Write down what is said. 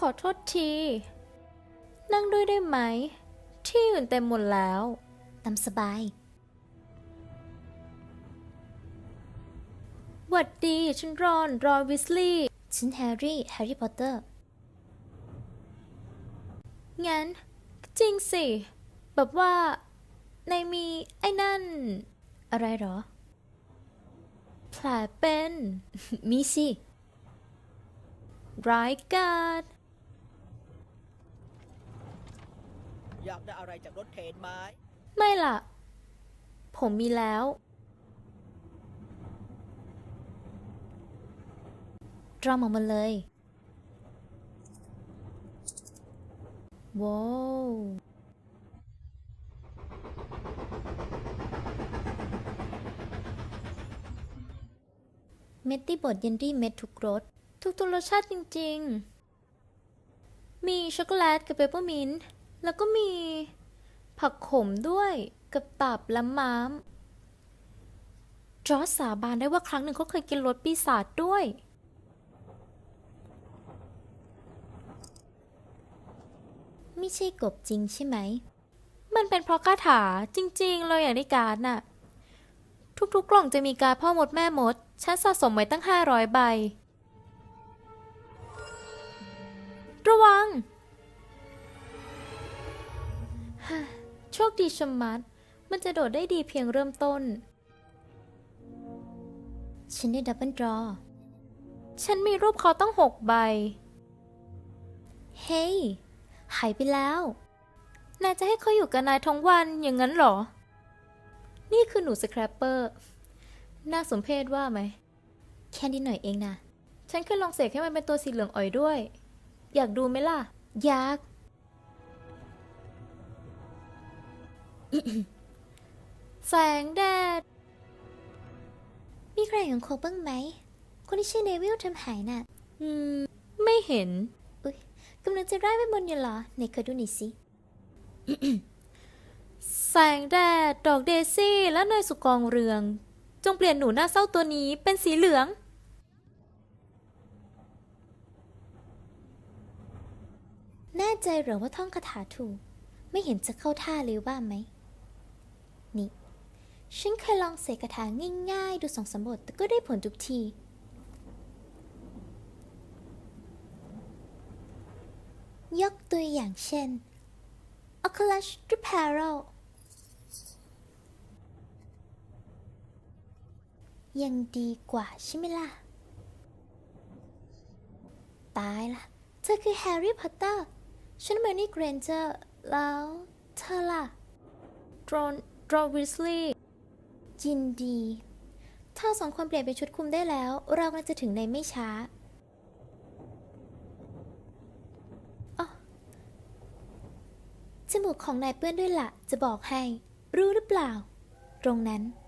อโทษทีนั่งด้วยได้ไหมที่อื่นเต็มหมดแล้วตามสบายหวัดดีฉันรอนวิสลีย์ฉันแฮร์รี่พอตเตอร์งั้นจริงสิแบบว่าในมีไอ้นั่นอะไรหรอแผลเป็นมีสิร้ายกาจอยากได้อะไรจากรถเข็นไหมไม่ล่ะ ผมมีแล้วดรอมออกมาเลยว้าวเม็ดที่บดเยนดี้เม็ดทุกรสทุกรสชาติจริงๆ มีช็อกโกแลตกับเปปเปอร์มินต์แล้วก็มีผักขมด้วยกับตับและม้ามจอร์จสาบานได้ว่าครั้งหนึ่งเขาเคยกินรสปีศาจด้วยไม่ใช่กบจริงใช่ไหมมันเป็นเพราะคาถาจริงๆเลยอย่างในการ์ดน่ะ ทุกๆกล่องจะมีการ์ดพ่อมดแม่มด ฉันสะสมไว้ตั้ง500 ใบ ระวัง โชคดีชะมัด มันจะโดดได้ดีเพียงเริ่มต้นฉันได้ดับเบิลดรอฉันมีรูปเขาตั้ง6 ใบเฮ้ย หายไปแล้วนายจะให้เขาอยู่กับนายทั้งวันอย่างนั้นเหรอ นี่คือหนูสแครปเปอร์ น่าสมเพชว่าไหมแค่นิดหน่อยเองนะฉันเคยลองเสกให้มันเป็นตัวสีเหลืองอ่อยด้วย อยากดูไหมล่ะอยากแสงแดดมีใครเห็นโคบ้างไหม คนที่ชื่อเนวิลทำหายน่ะไม่เห็นอุ๊ยกำลังจะไล่ไปบนอยู่เหรอไหนขอดูหน่อยสิแสงแดด ดอกเดซี่และเนยสุกองเรือง จงเปลี่ยนหนูหน้าเศร้าตัวนี้เป็นสีเหลืองแน่ใจเหรอว่าท่องคาถาถูก ไม่เห็นจะเข้าท่าเลยว่าไหม นี่ ฉันเคยลองเสกคาถาง่ายๆ ดู2-3 บทแต่ก็ได้ผลทุกที ยกตัวอย่างเช่น Oculus Reparo ยังดีกว่าใช่ไหมล่ะ ตายละเธอคือแฮร์รี่พอตเตอร์ ฉันเมอร์นี่เกรนเจอร์ แล้วเธอล่ะดรอนวิสลีย์ยินดีถ้าสองคนเปลี่ยนเป็นชุดคลุมได้แล้ว เรากำลังจะถึงในไม่ช้าอ๋อจมูกของนายเปื้อนด้วยล่ะ จะบอกให้ รู้หรือเปล่า ตรงนั้น